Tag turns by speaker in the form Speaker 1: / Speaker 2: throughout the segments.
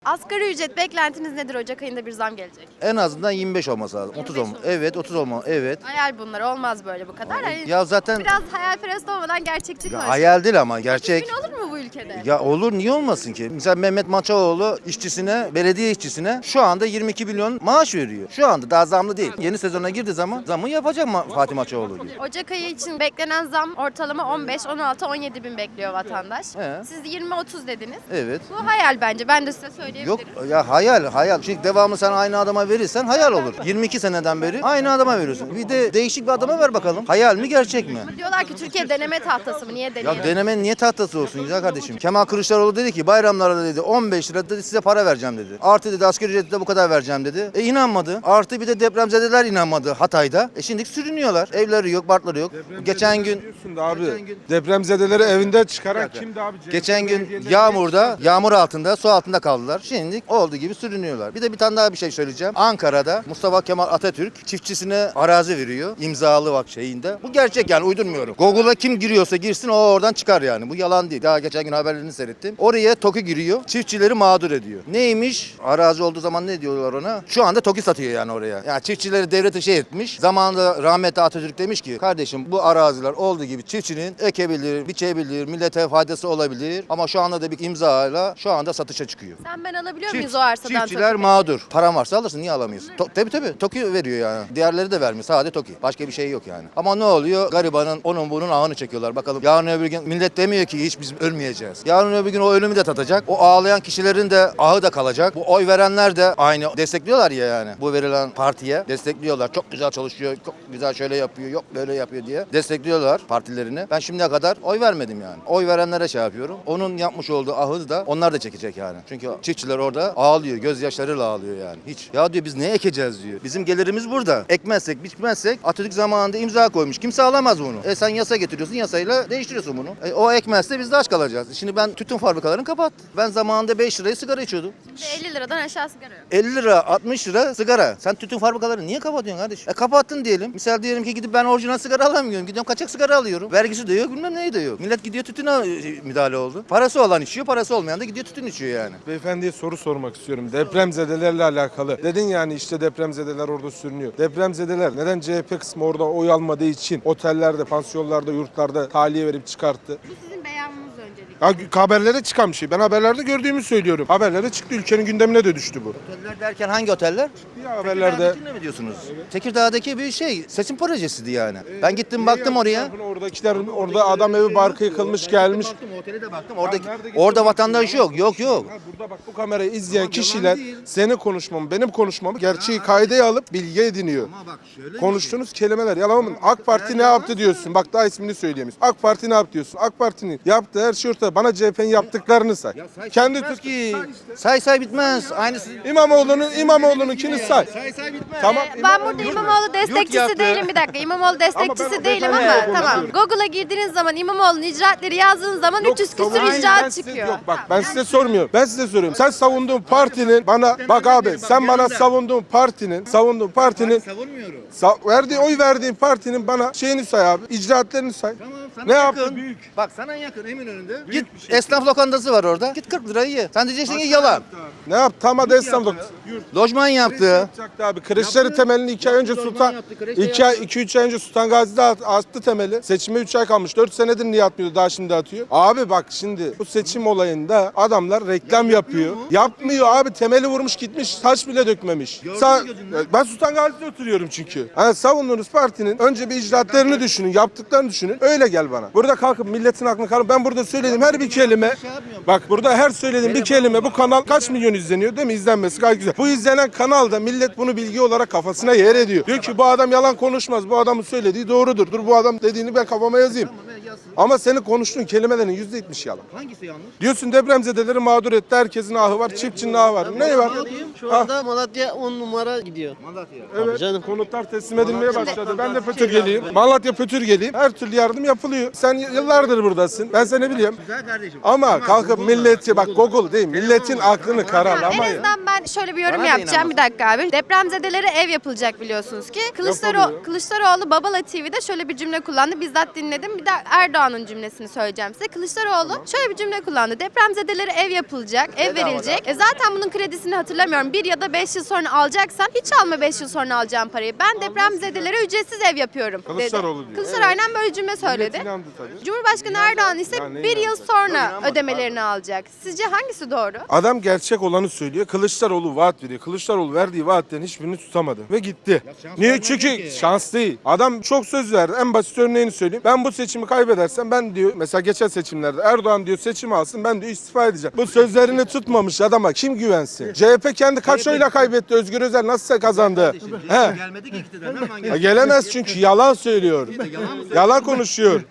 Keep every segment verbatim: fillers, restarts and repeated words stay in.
Speaker 1: Asgari ücret beklentiniz nedir? Ocak ayında bir zam gelecek.
Speaker 2: En azından yirmi beş olması lazım. otuz olma. Evet, otuz olma. Evet.
Speaker 1: Hayal bunlar, olmaz böyle bu kadar. Hani
Speaker 2: Ya zaten
Speaker 1: biraz hayalperest olmadan gerçekçi
Speaker 2: ya
Speaker 1: konuşalım.
Speaker 2: hayal değil ama gerçek.
Speaker 1: Gün olur mu bu ülkede?
Speaker 2: Ya olur, niye olmasın ki? Mesela Mehmet Maçaoğlu işçisine, belediye işçisine şu anda yirmi iki milyon maaş veriyor. Şu anda daha zamlı değil. Yeni sezona girdiği zaman zamı yapacak mı Fatih Maçaoğlu gibi.
Speaker 1: Ocak ayı için beklenen zam ortalama on beş, on altı, on yedi bin bekliyor vatandaş.
Speaker 2: He.
Speaker 1: Siz yirmi otuz dediniz.
Speaker 2: Evet.
Speaker 1: Bu hayal bence. Ben de size söyleyebilirim.
Speaker 2: Yok ya hayal hayal. Çünkü devamlı sen aynı adama verirsen hayal olur. yirmi iki seneden beri aynı adama veriyorsun. Bir de değişik bir adama ver bakalım. Hayal mi gerçek mi?
Speaker 1: Diyorlar ki Türkiye deneme tahtası mı? Niye
Speaker 2: Ya
Speaker 1: deneyelim?
Speaker 2: denemenin niye tahtası olsun güzel kardeşim? Kemal Kılıçdaroğlu dedi ki bayramlarda dedi on beş lira dedi size para vereceğim dedi. Artı dedi asgari ücreti de bu kadar vereceğim dedi. E inanmadı. Artı bir de depremzedeler inanmadı Hatay'da. E şimdi sürünüyorlar. Evleri yok, barkları yok. Geçen gün
Speaker 3: Diyorsun da abi.
Speaker 2: Geçen gün-
Speaker 3: Depremzedeleri evinden çıkaran
Speaker 2: dakika.
Speaker 3: kimdi abi?
Speaker 2: Geçen gün
Speaker 3: Belediyeler
Speaker 2: yağmurda, yağmur altında, su altında kaldılar. Şimdi olduğu gibi sürünüyorlar. Bir de bir tane daha bir şey söyleyeceğim. Ankara'da Mustafa Kemal Atatürk çiftçisine arazi veriyor. İmzalı bak şeyinde. Bu gerçek yani uydurmuyorum. Google'a kim giriyorsa girsin o oradan çıkar yani. Bu yalan değil. Daha geçen gün haberlerini seyrettim. Oraya TOKİ giriyor. Çiftçileri mağdur ediyor. Neymiş? Arazi olduğu zaman ne diyorlar ona? Şu anda TOKİ satıyor yani oraya. Yani çiftçileri devlete şey etmiş. Zamanında rahmetli Atatürk demiş ki kardeşim bu araziler olduğu gibi çiftçinin ekebilir, biçebilir, millete faydası olabilir. Ama şu anda da bir imzayla şu anda satışa çıkıyor.
Speaker 1: Sen ben alabiliyor
Speaker 2: Çift-
Speaker 1: muyuz o arsadan?
Speaker 2: Çiftçiler
Speaker 1: Toki?
Speaker 2: mağdur. Paran varsa alırsın niye alamıyorsun? To- tabii tabii. TOKİ veriyor yani. Diğerleri de vermiyor. Sadece TOKİ. Başka bir şey yok yani. Ama ne oluyor? Garibanın onun bunun ağını çekiyorlar. Bakalım yarın öbür gün millet demiyor ki hiç biz ölmeyeceğiz. Yarın öbür gün o ölümü de tatacak. O ağlayan kişilerin de ahı da kalacak. Bu oy verenler de aynı destekliyorlar ya yani. Bu verilen partiye destekliyorlar. Çok güzel çalışıyor. Çok güzel şöyle yapıyor. Yok böyle yapıyor diye destekliyorlar partilerini. Ben şimdiye kadar oy vermedim yani. Oy verenlere şey yapıyorum. Onun yapmış olduğu ahı da onlar da çekecek yani. Çünkü çiftçiler orada ağlıyor. Gözyaşlarıyla ağlıyor yani. Hiç. Ya diyor biz ne ekeceğiz diyor. Bizim gelirimiz burada. Ekmezsek, biçmezsek Atatürk zamanında imza koymuş. Kimse alamaz bunu. E sen yasa getiriyorsun. Yasayla değiştiriyorsun bunu. E, o ekmezse biz de aç kalacağız. Şimdi ben tütün fabrikalarını kapattım. Ben zamanında beş liraya sigara içiyordum.
Speaker 1: Şimdi elli liradan aşağı sigara yok.
Speaker 2: elli lira, altmış lira sigara. Sen tütün fabrikalarını niye kapatıyorsun kardeş? E kapattın diyelim. Misal diyelim ki gidip ben orijinal sigara alamıyorum. Gidiyorum kaçak sigara alıyorum. Vergisi de yok, bilmem neyi de yok. Millet gidiyor tütüne e, müdahale oldu. Parası olan içiyor, parası olmayan da gidiyor tütün içiyor yani.
Speaker 3: Beyefendiye soru sormak istiyorum. Depremzedelerle alakalı. Dedin yani işte depremzedeler orada sürünüyor. Depremzedeler neden C H P kısmı orada oy almadığı için otellerde, pansiyonlarda, yurtlarda tahliye verip çıkarttı?
Speaker 1: Bu sizin beyanınız öncelikle.
Speaker 3: Ya haberlere çıkan bir şey. Ben haberlerde gördüğümü söylüyorum. Haberlere çıktı. Ülkenin gündemine de düştü bu.
Speaker 2: Oteller derken hangi oteller?
Speaker 3: Ya haberlerde.
Speaker 2: Tekirdağ'dakini mi diyorsunuz? Tekirdağ'daki bir şey, seçim projesiydi yani. Ben gittim baktım oraya.
Speaker 3: Oradakiler orada adam evi barkı yıkılmış gelmiş.
Speaker 2: Baktım otele de baktım. Orada
Speaker 3: nerede gittin
Speaker 2: orada
Speaker 3: baktın
Speaker 2: vatandaş
Speaker 3: ya?
Speaker 2: yok. Yok yok.
Speaker 3: Ha, burada bak bu kamerayı izleyen
Speaker 2: Tamam,
Speaker 3: kişiler
Speaker 2: yalan değil.
Speaker 3: senin konuşmamı, benim konuşmamı gerçeği kaydeye alıp bilgi ediniyor.
Speaker 2: Ama bak şöyle
Speaker 3: Konuştuğunuz kelimeler yalan mı? AK Parti ne yaptı diyorsun? Bak daha ismini söyleyemiyorsun. AK Parti ne yaptı diyorsun? AK Parti'nin yaptığı her şey ortada. Bana C H P'nin yaptıklarını say. Kendi
Speaker 2: bitmez
Speaker 3: Türk
Speaker 2: ki. Say say bitmez. Aynısı.
Speaker 3: İmamoğlu'nun İmamoğlu'nunkini say.
Speaker 2: Say say bitmez.
Speaker 3: Tamam.
Speaker 1: Ee, ben burada İmamoğlu destekçisi
Speaker 2: yaptı.
Speaker 1: değilim, bir dakika. İmamoğlu destekçisi
Speaker 3: o
Speaker 1: değilim
Speaker 3: beyefendiyle
Speaker 1: ama tamam.
Speaker 3: konuşuyorum.
Speaker 1: Google'a girdiğiniz zaman İmamoğlu'nun icraatleri yazdığınız zaman üç yüz küsür
Speaker 3: savunma- Ben
Speaker 1: icraat
Speaker 3: size-
Speaker 1: çıkıyor.
Speaker 3: Yok bak ben
Speaker 1: Tamam.
Speaker 3: size sormuyorum. Ben size soruyorum. Sen savunduğun partinin bana bak abi sen bana savunduğun partinin savunduğun partinin
Speaker 2: Savunmuyorum.
Speaker 3: sa- verdiği oy verdiğin partinin bana şeyini say abi. İcraatlerini say.
Speaker 2: Tamam, sana
Speaker 3: Ne
Speaker 2: yakın.
Speaker 3: yaptı? Büyük.
Speaker 2: Bak sana yakın Eminönü'nde. Git esnaf lokantası var orada. Git kırk lirayı ye. Sen diyeceksin ki yalan.
Speaker 3: Ne yaptı? Tam adı İstanbul.
Speaker 2: Lojman yaptı.
Speaker 3: Yapacaktı abi. Kreşleri
Speaker 2: Yaptı.
Speaker 3: temelini iki ay önce
Speaker 2: Yaptı,
Speaker 3: Sultan
Speaker 2: yaptı, kreşe
Speaker 3: iki ay
Speaker 2: yaptı.
Speaker 3: iki üç ay önce Sultan Gazi'de at- attı temeli. Seçime üç ay kalmış. dört senedir niye atmıyordu? Daha şimdi atıyor. Abi bak şimdi bu seçim olayında adamlar reklam yapıyor. Yapmıyor abi. Temeli vurmuş gitmiş. Taş bile dökmemiş. Sa- ben Sultan Gazi'de oturuyorum çünkü. Yani savunduğunuz partinin önce bir icraatlarını düşünün, yaptıklarını düşünün. Öyle gel bana. Burada kalkıp milletin aklını karın. Ben burada söylediğim her bir kelime bak burada her söylediğim bir kelime bu kanal kaç milyon izleniyor değil mi? İzlenmesi gayet güzel. Bu izlenen kanalda millet bunu bilgi olarak kafasına yer ediyor. Diyor ki bu adam yalan konuşmaz. Bu adamın söylediği doğrudur. Dur bu adam dediğini ben kafama yazayım. Ama senin konuştuğun kelimelerin yüzde yetmiş yalan.
Speaker 2: Hangisi yanlış?
Speaker 3: Diyorsun depremzedeleri mağdur etti. Herkesin ahı var. Çiftçinin ahı var. Ne var?
Speaker 4: Şu anda Malatya on numara gidiyor.
Speaker 2: Malatya.
Speaker 3: Evet.
Speaker 4: canım.
Speaker 3: Konutlar teslim edilmeye başladı. Ben de Pötürgeliyim. Malatya Pötürgeliyim. Her türlü yardım yapılıyor. Sen yıllardır buradasın. Ben seni biliyorum.
Speaker 2: Güzel kardeşim.
Speaker 3: Ama kalkıp
Speaker 2: Google'la,
Speaker 3: milleti bak
Speaker 2: Google'la.
Speaker 3: Google değil. Milletin aklını
Speaker 1: En
Speaker 3: karalamayın.
Speaker 1: azından ben ben şöyle bir yorum
Speaker 2: Bana da
Speaker 1: yapacağım. Bir
Speaker 2: inanmazsın.
Speaker 1: dakika abi. Depremzedelere ev yapılacak biliyorsunuz ki. Kılıçdaroğlu,
Speaker 3: Yapılıyor.
Speaker 1: Kılıçdaroğlu Babala T V'de şöyle bir cümle kullandı. Bizzat dinledim. Bir de Erdoğan'ın cümlesini söyleyeceğim size. Kılıçdaroğlu şöyle bir cümle kullandı. Depremzedelere ev yapılacak, ev
Speaker 2: Bedava
Speaker 1: verilecek. E zaten bunun kredisini hatırlamıyorum. Bir ya da beş yıl sonra alacaksan hiç alma beş yıl sonra alacağım parayı. Ben depremzedelere ücretsiz ev yapıyorum dedi.
Speaker 3: Kılıçdaroğlu diyor.
Speaker 1: Kılıçdaroğlu aynen böyle cümle söyledi.
Speaker 3: Millet inandı tabii.
Speaker 1: Cumhurbaşkanı Erdoğan ise
Speaker 3: Ya neye
Speaker 1: bir yıl
Speaker 3: inanacak?
Speaker 1: sonra
Speaker 2: İnanmadım,
Speaker 1: ödemelerini alacak. Sizce hangisi doğru?
Speaker 3: Adam gerçek olanı söylüyor. Kılıçdaroğlu vaat veriyor. Kılıçdaroğlu verdiği vaatlerin hiçbirini tutamadı ve gitti. Niye? Çünkü şans değil. Adam çok söz verdi. En basit örneğini söyleyeyim. Ben bu seçimi kaybedersem ben diyor mesela geçen seçimlerde Erdoğan diyor seçimi alsın ben diyor istifa edeceğim. Bu sözlerini tutmamış adama kim güvensin? C H P kendi kaç oyla kaybetti? Özgür Özel nasıl kazandı? He.
Speaker 5: Gelmedi ki iktidardan hemen
Speaker 3: Ya gelemez çünkü yalan söylüyor. Yalan konuşuyor.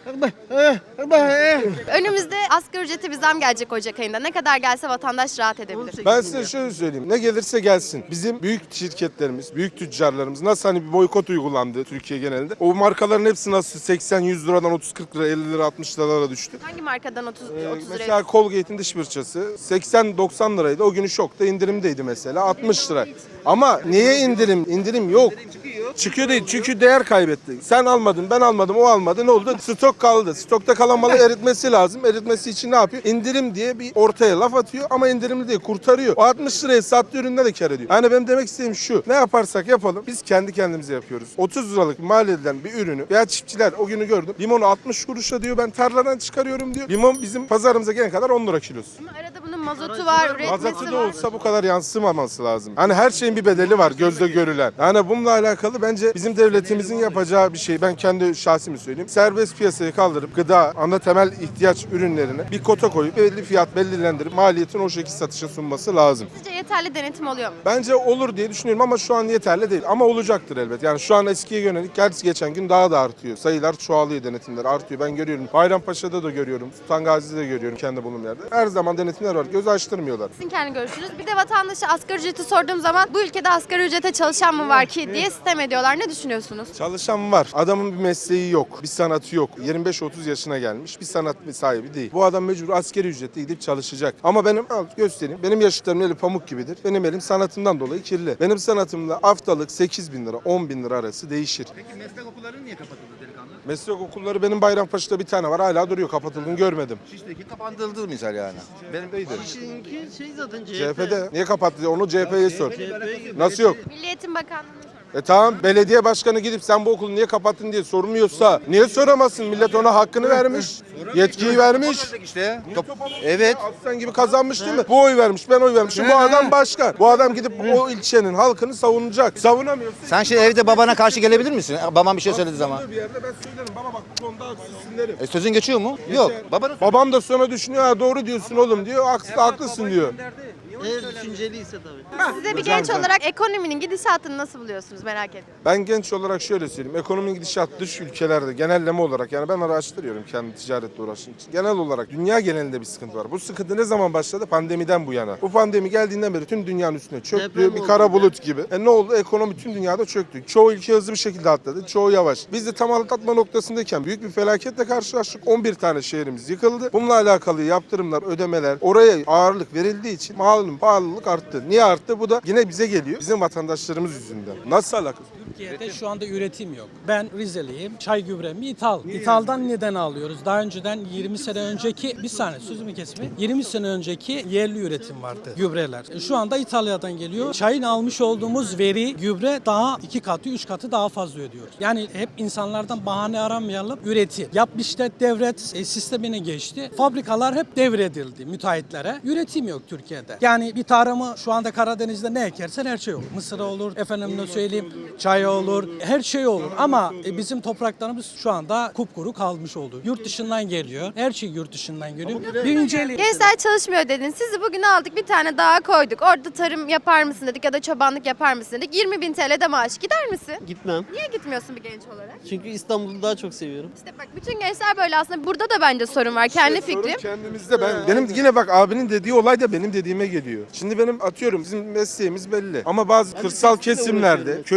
Speaker 1: Önümüzde asgari ücrete bir zam gelecek Ocak ayında. Ne kadar gelse vatandaş rahat edebilir.
Speaker 3: Ben size şöyle söyleyeyim. Ne gelirse gelsin. Bizim büyük şirketlerimiz, büyük tüccarlarımız nasıl hani bir boykot uygulandı Türkiye genelinde. O markaların hepsi nasıl seksen yüz liradan otuz kırk lira, elli lira, altmış liralara düştü.
Speaker 1: Hangi markadan otuz,
Speaker 3: Ee,
Speaker 1: otuz liraya?
Speaker 3: mesela Colgate'in dış fırçası seksen doksan liraydı. O günü şokta indirimdeydi mesela altmış lira. Ama niye indirim? İndirim yok. Çıkıyor değil çünkü değer kaybetti. Sen almadın, ben almadım, o almadı. Ne oldu? Stok kaldı. Stokta kalan malı eritmesi lazım. Eritmesi için ne yapıyor? İndirim diye bir ortaya laf atıyor ama indirimli değil, kurtarıyor. O altmış liraya sattığı üründe de kar ediyor. Yani benim demek istediğim şu. Ne yaparsak yapalım biz kendi kendimize yapıyoruz. otuz liralık mal edilen bir ürünü veya çiftçiler o günü gördüm. Limonu altmış kuruşa diyor ben tarladan çıkarıyorum diyor. Limon bizim pazarımıza gelene kadar on lira kilosu.
Speaker 1: Ama arada bunun mazotu var, üretmesi
Speaker 3: Mazotu da
Speaker 1: var.
Speaker 3: olsa bu kadar yansımaması lazım. Hani her şeyin bir bedeli var gözle görülen. Yani bununla alakalı bence bizim devletimizin yapacağı bir şey. Ben kendi şahsimi söyleyeyim. Serbest piyasayı kaldırıp gıda, ana temel ihtiyaç ürünlerine bir kota koyup belli fiyat belirlendirip maliyetin o şekilde satışa sunması lazım.
Speaker 1: Sizce yeterli denetim oluyor mu?
Speaker 3: Bence olur diye düşünüyorum ama şu an yeterli değil. Ama olacaktır elbet. Yani şu an eskiye yönelik gerçi geçen gün daha da artıyor. Sayılar çoğalıyor, denetimler artıyor. Ben görüyorum. Bayrampaşa'da da görüyorum. Sultan Gazi'de de görüyorum kendi bulunduğum yerde. Her zaman denetimler var. Göz açtırmıyorlar.
Speaker 1: Sizin kendi görüşünüz. Bir de vatandaşa asgari ücreti sorduğum zaman bu ülkede asgari ücrete çalışan mı var ki diye sitem ediyorlar. Ne düşünüyorsunuz?
Speaker 3: Çalışan var. Adamın bir mesleği yok. Bir sanatı yok. yirmi beş otuz yaşına gelmiş. Bir sanat sahibi değil. Bu adam mecbur asgari ücretle gidip çalışacak. Ama benim al göstereyim. Benim yaşıtlarım eli pamuk gibidir. Benim elim sanatımdan dolayı kirli. Benim sanatımda haftalık sekiz bin lira on bin lira arası değişir.
Speaker 5: Peki meslek okulları niye kapatıldı delikanlı?
Speaker 3: Meslek okulları benim Bayrampaşa'da bir tane var. Hala duruyor. Kapatıldığını görmedim.
Speaker 2: Şişteki kapatıldı misal yani. Benim de iyidir.
Speaker 4: Çünkü şey zaten C H P.
Speaker 3: C H P'de niye kapattı? Onu C H P'ye sor.
Speaker 4: C H P'ye girdi.
Speaker 3: Nasıl yok?
Speaker 1: Milli Eğitim Bakanlığı'na sormak.
Speaker 3: E tamam belediye başkanı gidip sen bu okulu niye kapattın diye sormuyorsa niye soramazsın? Millet ona hakkını vermiş. Yetkiyi vermiş.
Speaker 2: İşte top, evet.
Speaker 3: Aslan gibi kazanmış değil mi? Bu oy vermiş, ben oy vermişim. Bu adam başkan. Bu adam gidip o ilçenin halkını savunacak. Savunamıyorsun.
Speaker 2: Sen şimdi evde babana karşı gelebilir misin? Baban bir şey söylediği zaman.
Speaker 3: Bir yerde ben söylerim. Baba bak bu konuda haksızsın derim.
Speaker 2: E, sözün geçiyor mu? Yok. Babanın
Speaker 3: Babam da sonra düşünüyor. Ha, doğru diyorsun oğlum diyor. Haksız, haklısın diyor.
Speaker 4: Eğer düşünceliyse tabii.
Speaker 1: Size bir genç olarak ekonominin gidişatını nasıl buluyorsunuz merak ediyorum.
Speaker 3: Ben genç olarak şöyle söyleyeyim. Ekonominin gidişat dış ülkelerde genelleme olarak yani ben araştırıyorum kendi ticaretle uğraştığım için. Genel olarak dünya genelinde bir sıkıntı var. Bu sıkıntı ne zaman başladı? Pandemiden bu yana. Bu pandemi geldiğinden beri tüm dünyanın üstüne çöktü.
Speaker 4: Deprem
Speaker 3: Bir
Speaker 4: oldu
Speaker 3: kara
Speaker 4: bir de.
Speaker 3: bulut gibi. E ne oldu? Ekonomi tüm dünyada çöktü. Çoğu ülke hızlı bir şekilde atladı. Çoğu yavaş. Biz de tam atlatma noktasındayken büyük bir felaketle karşılaştık. on bir tane şehrimiz yıkıldı. Bununla alakalı yaptırımlar, ödemeler oraya ağırlık verildiği için malum pahalılık arttı. Niye arttı? Bu da yine bize geliyor. Bizim vatandaşlarımız yüzünden. Nasıl alakası?
Speaker 6: Türkiye'de şu anda üretim yok. Ben Rizeliyim. Çay gübremi ithal. İthaldan neden alıyoruz? Daha önceden yirmi sene önceki, bir saniye sözümü kesme. yirmi sene önceki yerli üretim vardı gübreler. E, Şu anda İtalya'dan geliyor. Çayın almış olduğumuz veri gübre daha iki katı, üç katı daha fazla ödüyoruz. Yani hep insanlardan bahane aramayalım. Üretim. Yap işlet devret e, sistemine geçti. Fabrikalar hep devredildi müteahhitlere. Üretim yok Türkiye'de. Yani bir tarımı şu anda Karadeniz'de ne ekersen her şey olur. Mısır olur, efendim ne söyleyeyim, çay olur, her şey olur. Ama e, bizim topraklarımız şu anda kupkuru kalmış oldu. Yurt dışından geliyor. Her şey yurt dışından geliyor. Bir inceleyin.
Speaker 1: Gençler çalışmıyor dedin. Sizi bugün aldık bir tane dağa koyduk. Orada tarım yapar mısın dedik ya da çobanlık yapar mısın dedik. yirmi bin T L'de maaş gider misin?
Speaker 4: Gitmem.
Speaker 1: Niye gitmiyorsun bir genç olarak?
Speaker 4: Çünkü İstanbul'u daha çok seviyorum.
Speaker 1: İşte bak bütün gençler böyle aslında. Burada da bence sorun var. Kendi
Speaker 3: Sorun
Speaker 1: fikrim.
Speaker 3: kendimizde. Ben benim yine bak abinin dediği olay da benim dediğime geliyor. Şimdi benim atıyorum bizim mesleğimiz belli. Ama bazı kırsal
Speaker 4: mesleğimle
Speaker 3: kesimlerde,
Speaker 4: uğraşıyorum.
Speaker 3: köylük alanlar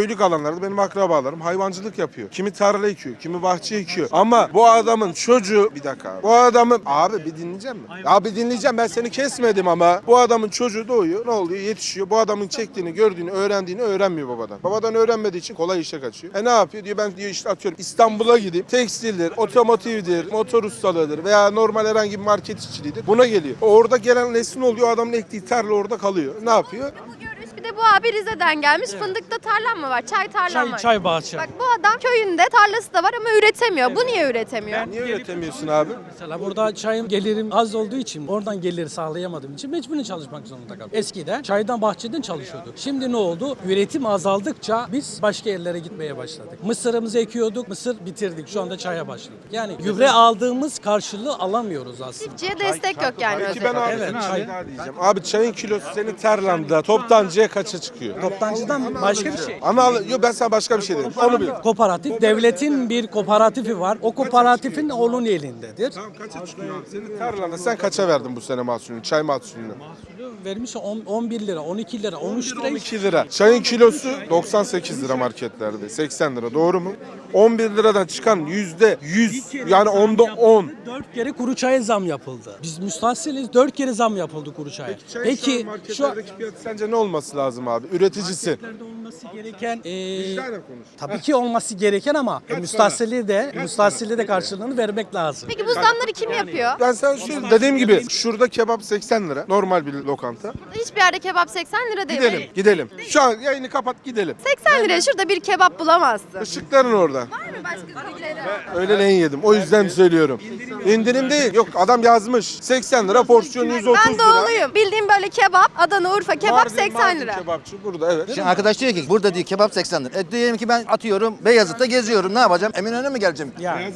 Speaker 3: dükkanlarda benim akrabalarım hayvancılık yapıyor. Kimi tarla ekiyor, kimi bahçe ekiyor. Ama bu adamın çocuğu bir dakika abi. Bu adamın abi bir dinleyeceğim mi? Abi dinleyeceğim, ben seni kesmedim ama bu adamın çocuğu doğuyor. Ne oluyor? Yetişiyor. Bu adamın çektiğini, gördüğünü, öğrendiğini öğrenmiyor babadan. Babadan öğrenmediği için kolay işe kaçıyor. E ne yapıyor? Diyor ben diyor işte atıyorum İstanbul'a gideyim. Tekstildir, otomotivdir, motor ustalığıdır veya normal herhangi bir market işçiliğidir. Buna geliyor. Orada gelen nesil oluyor? Adamın ektiği tarla orada kalıyor. Ne yapıyor?
Speaker 1: Bu görüş, bir de bu abi Rize'den gelmiş. Fındıkta tarlam mı var? Çay tarlam
Speaker 6: Çay,
Speaker 1: var.
Speaker 6: çay bahçe.
Speaker 1: Bak bu adam köyünde tarlası da var ama üretemiyor. Bu niye üretemiyor?
Speaker 3: Niye üretemiyorsun abi?
Speaker 6: Mesela burada çayım gelirim az olduğu için oradan geliri sağlayamadığım için mecburen çalışmak zorunda kaldım. Eskiden çaydan bahçeden çalışıyorduk. Şimdi ne oldu? Üretim azaldıkça biz başka yerlere gitmeye başladık. Mısırımızı ekiyorduk, mısır bitirdik. Şu anda çaya başladık. Yani gübre aldığımız karşılığı alamıyoruz aslında.
Speaker 1: Çiftçiye destek yok yani.
Speaker 3: Peki ben abi
Speaker 6: Evet,
Speaker 3: sana
Speaker 6: çay.
Speaker 3: şey daha diyeceğim. Abi çayın kilosu senin tarlanda toptancıya kaça çıkıyor?
Speaker 6: Toptancıdan başka bir şey.
Speaker 3: Ama al- yok ben sana başka bir şey dedim. Onu bil.
Speaker 6: Kooperatif, devletin bir kooperatifi var. O kooperatifin onun elindedir.
Speaker 3: Tamam kaça çıkıyor abi? Senin tarlanda sen kaça verdin bu sene mahsulünü, çay mahsulünü?
Speaker 6: Vermiş on- 11 lira, on iki lira, on üç lira.
Speaker 3: on iki lira. Çayın kilosu doksan sekiz lira marketlerde. seksen lira doğru mu? on bir liradan çıkan yüzde yüz yani onda on.
Speaker 6: dört kere kuru çaya zam yapıldı. Biz müstahsiliz, dört kere zam yapıldı kuru çaya. Peki şu an
Speaker 3: marketlerdeki fiyat sence ne olması lazım abi? Üreticisi.
Speaker 6: marketlerde olması gereken e,
Speaker 3: Vicdanen konuş.
Speaker 6: tabii ki olması gereken ama e, müstahsili de müstahsili de karşılığını vermek lazım.
Speaker 1: Peki bu zamları kim yapıyor?
Speaker 3: Ben sana söyleyeyim. Dediğim gibi şurada kebap seksen lira. Normal bir lokanta.
Speaker 1: Hiçbir yerde kebap seksen lira değil.
Speaker 3: Gidelim, gidelim. Şu an yayını kapat gidelim.
Speaker 1: seksen liraya şurada bir kebap bulamazsın.
Speaker 3: Işıkların orada.
Speaker 1: Var mı başka ülkelere?
Speaker 3: Öğleleyin yedim. O yüzden söylüyorum. İndirim değil. Yok adam yazmış. seksen lira porsiyon yüz otuz
Speaker 1: Ben
Speaker 3: lira.
Speaker 1: doğuluyum. Bildiğim böyle kebap, Adana, Urfa kebap
Speaker 3: Mardin-
Speaker 1: seksen
Speaker 3: Mardin
Speaker 1: lira.
Speaker 3: Kebapçı burada evet.
Speaker 2: Şimdi arkadaş diyor ki burada diyor kebap seksen lira. E diyelim ki ben atıyorum Beyazıt'ta geziyorum. Ne yapacağım? Eminönü'ne mi geleceğim?
Speaker 6: Yani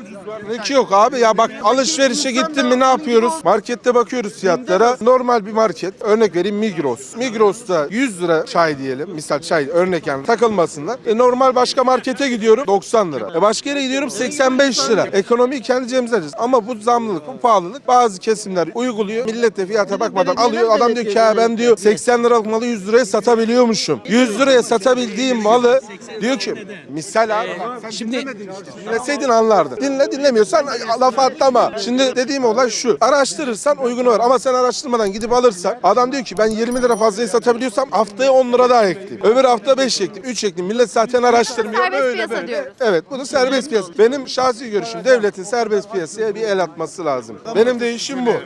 Speaker 3: Ne ki yok abi ya bak alışverişe gittin mi ne yapıyoruz? Markette bakıyoruz fiyatlara. Normal bir market. Örnek vereyim Migros. Migros'ta yüz lira çay diyelim. Misal çay örnek yani takılmasınlar. E normal başka markete gidiyorum doksan lira. E başka yere gidiyorum seksen beş lira. Ekonomiyi kendi cebimize alacağız. Ama bu zamlılık, bu pahalılık bazı kesimler uyguluyor. Millet de fiyata bakmadan alıyor. Adam diyor ki ya ben diyor seksen liralık malı yüz liraya satabiliyormuşum. yüz liraya satabildiğim malı diyor ki misal abi bak sen
Speaker 6: Şimdi-
Speaker 3: dinlemedin işte. Dinleseydin anlardın. Dinle dinlemiyorsan laf atlama. Şimdi dediğim olay şu. Araştırırsan uygun var ama sen araştırmadan gidip alırsan adam diyor ki ben yirmi lira fazlayı satabiliyorsam haftaya on lira daha ekleyeyim. Öbür hafta beş ekleyeyim, üç ekleyeyim. Millet zaten araştırmıyor.
Speaker 1: Serbest
Speaker 3: Böyle
Speaker 1: piyasa
Speaker 3: böyle.
Speaker 1: diyoruz.
Speaker 3: Evet bunu serbest piyasa. Benim şahsi görüşüm devletin serbest piyasaya bir el atması lazım. Benim de işim bu.